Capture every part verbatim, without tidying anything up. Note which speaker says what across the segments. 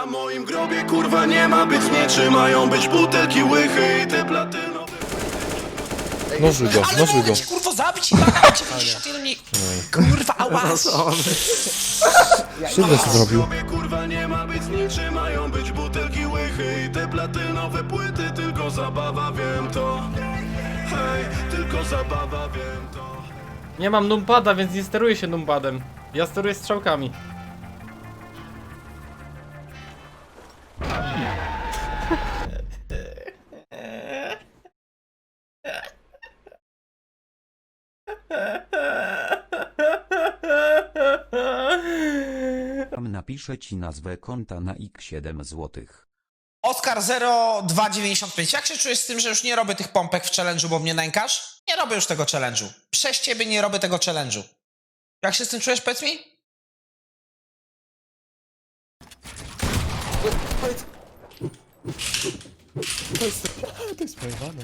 Speaker 1: Na moim grobie kurwa nie ma być niczym, mają być butelki, łychy i te platynowe.
Speaker 2: Nożuj go,
Speaker 3: Ale
Speaker 2: nożuj
Speaker 3: mogę
Speaker 2: go.
Speaker 3: ci kurwo zabić i tak dziewięćdziesiąt jeden i... Kurwa, ała!
Speaker 2: Krzywdę co zrobił.
Speaker 1: Na grobie kurwa nie ma być niczym, mają być butelki, łychy i te platynowe płyty. Tylko zabawa, wiem to. Hej, tylko zabawa, wiem to.
Speaker 4: Nie mam numpada, więc nie steruję się numpadem. Ja steruję strzałkami.
Speaker 5: Napiszę ci nazwę konta na ik siedem złotych.
Speaker 3: Oskar zero dwa dziewięćdziesiąt pięć. Jak się czujesz z tym, że już nie robię tych pompek w challenge'u, bo mnie nękasz? Nie robię już tego challenge'u. Przez ciebie nie robię tego challenge'u. Jak się z tym czujesz, powiedz mi?
Speaker 2: To jest pojebane.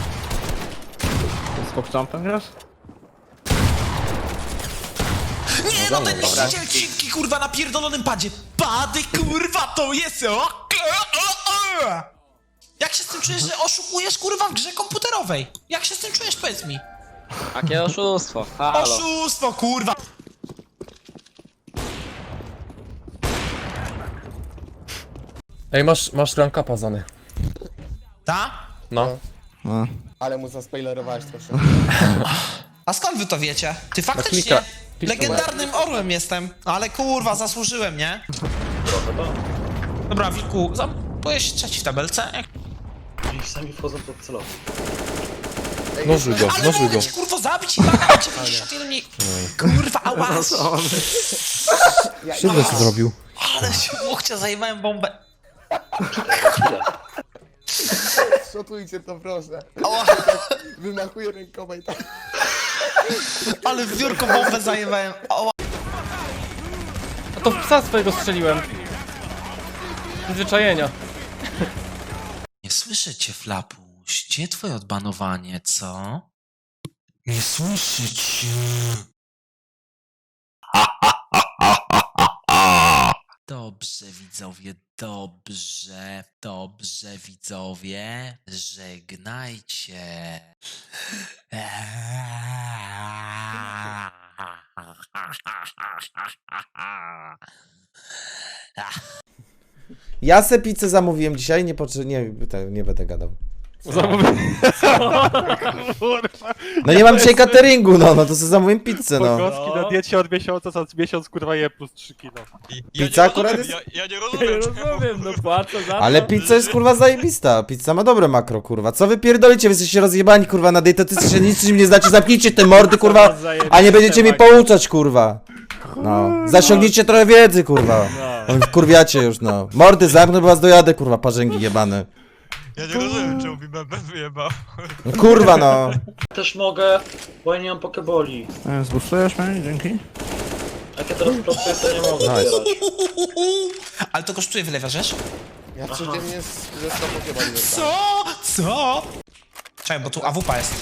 Speaker 6: Z popcząpem grasz?
Speaker 3: Nie no, ten niszczyciel krzywki, kurwa, na pierdolonym padzie. Pady, kurwa, to jest... O, o, o, o. Jak się z tym czujesz, że oszukujesz, kurwa, w grze komputerowej? Jak się z tym czujesz, powiedz mi?
Speaker 6: Jakie oszustwo, halo.
Speaker 3: Oszustwo, kurwa!
Speaker 2: Ej, masz, masz ranka pazany.
Speaker 3: Ta?
Speaker 2: No.
Speaker 7: Ale mu zaspoilerowałeś troszkę.
Speaker 3: A skąd wy to wiecie? Ty faktycznie
Speaker 2: klika- klika-
Speaker 3: legendarnym orłem jestem, ale kurwa, zasłużyłem, nie? Dobra, Wilku, byłeś trzeci w tabelce. Jak...
Speaker 2: Nożuj go,
Speaker 3: Ale
Speaker 2: nożuj
Speaker 3: mogę
Speaker 2: go.
Speaker 3: ci kurwa zabić i tak dziewięćdziesiąt jeden i... Kurwa, ała!
Speaker 2: Krzywdę co zrobił.
Speaker 3: Ale się łokcia zajmowałem bombę.
Speaker 7: Szotujcie to proszę.
Speaker 3: Ała,
Speaker 7: Wymachuję rękoma i tak.
Speaker 3: ale w biurko bombę zajmowałem. Ała.
Speaker 4: A to w psa swojego strzeliłem. Przyzwyczajenia.
Speaker 3: Nie słyszę cię, Flapuś. Gdzie twoje odbanowanie, co? Nie słyszę cię. Dobrze, widzowie, dobrze, dobrze, widzowie. Żegnajcie.
Speaker 7: Ja se pizzę zamówiłem dzisiaj, nie potrze... nie, nie będę gadał. No nie mam dzisiaj cateringu, no, no to sobie zamówiłem pizzę, no.
Speaker 6: Pogostki na diecie od miesiąca, co miesiąc kurwa je plus trzy kilo.
Speaker 7: Pizza akurat jest...
Speaker 8: Ja, ja nie
Speaker 4: Nie
Speaker 8: rozumiem,
Speaker 4: rozumiem, no płacę za to.
Speaker 7: Ale pizza jest kurwa zajebista, pizza ma dobre makro, kurwa. Co wy pierdolicie, wy jesteście rozjebani, kurwa, na dietetyce się nic nie znacie, zamknijcie te mordy, kurwa, a nie będziecie mnie pouczać, kurwa. No, zasiągnijcie trochę wiedzy, kurwa. Kurwiacie już, no. Mordy zamknę, bo was dojadę, kurwa, parzęgi jebane.
Speaker 8: ja nie rozumiem, czemu mi meme wyjebał.
Speaker 7: No, kurwa, no.
Speaker 9: Też mogę, bo ja nie mam pokeboli.
Speaker 6: Zbuszujesz mnie? Dzięki.
Speaker 9: Jak ja teraz pracuję, to nie mogę
Speaker 2: Nice.
Speaker 9: zbierać.
Speaker 3: Ale to kosztuje, wylewa, żeż?
Speaker 7: Ja codziennie ze sto pokebali
Speaker 3: Co? Co? Czekaj, bo tu A W P jest.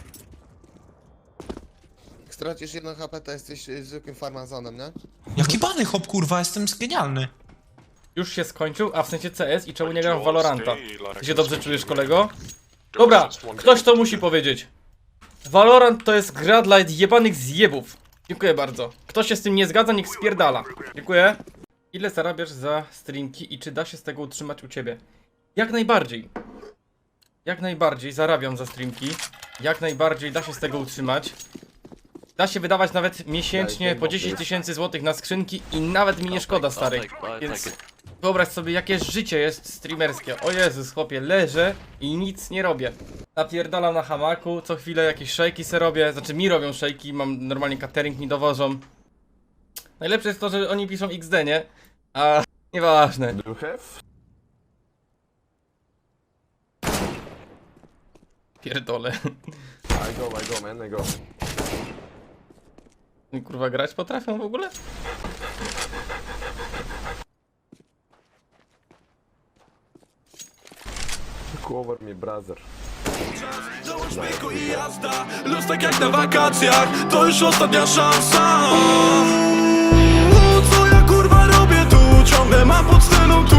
Speaker 7: Jak stracisz jedno H P, to jesteś y, zwykłym farmazonem, nie?
Speaker 3: Jaki bany hop, kurwa, jestem genialny.
Speaker 4: Już się skończył, a w sensie C S i czemu nie gram w Valoranta? Ty się dobrze czujesz, kolego? Dobra, ktoś to musi powiedzieć. Valorant to jest gra dla jebanych zjebów. Dziękuję bardzo. Kto się z tym nie zgadza, niech spierdala. Dziękuję. Ile zarabiasz za streamki i czy da się z tego utrzymać u ciebie? Jak najbardziej. Jak najbardziej zarabiam za streamki. Jak najbardziej da się z tego utrzymać. Da się wydawać nawet miesięcznie po dziesięć tysięcy złotych na skrzynki i nawet mi nie szkoda, stary. Więc wyobraź sobie, jakie życie jest streamerskie. O Jezus, chłopie, leżę i nic nie robię. Napierdalam na hamaku, co chwilę jakieś szejki se robię. Znaczy mi robią szejki, mam normalnie catering, mi dowożą. Najlepsze jest to, że oni piszą X D, nie? A nieważne. Pierdolę.
Speaker 2: I go, I go, man, I go.
Speaker 4: Kurwa, grać potrafią w ogóle?
Speaker 2: Cover me, brother.
Speaker 1: Dołącz myku i jazda. Los tak jak na wakacjach, to już ostatnia szansa. Co ja kurwa robię tu? Ciągle mam pod sceną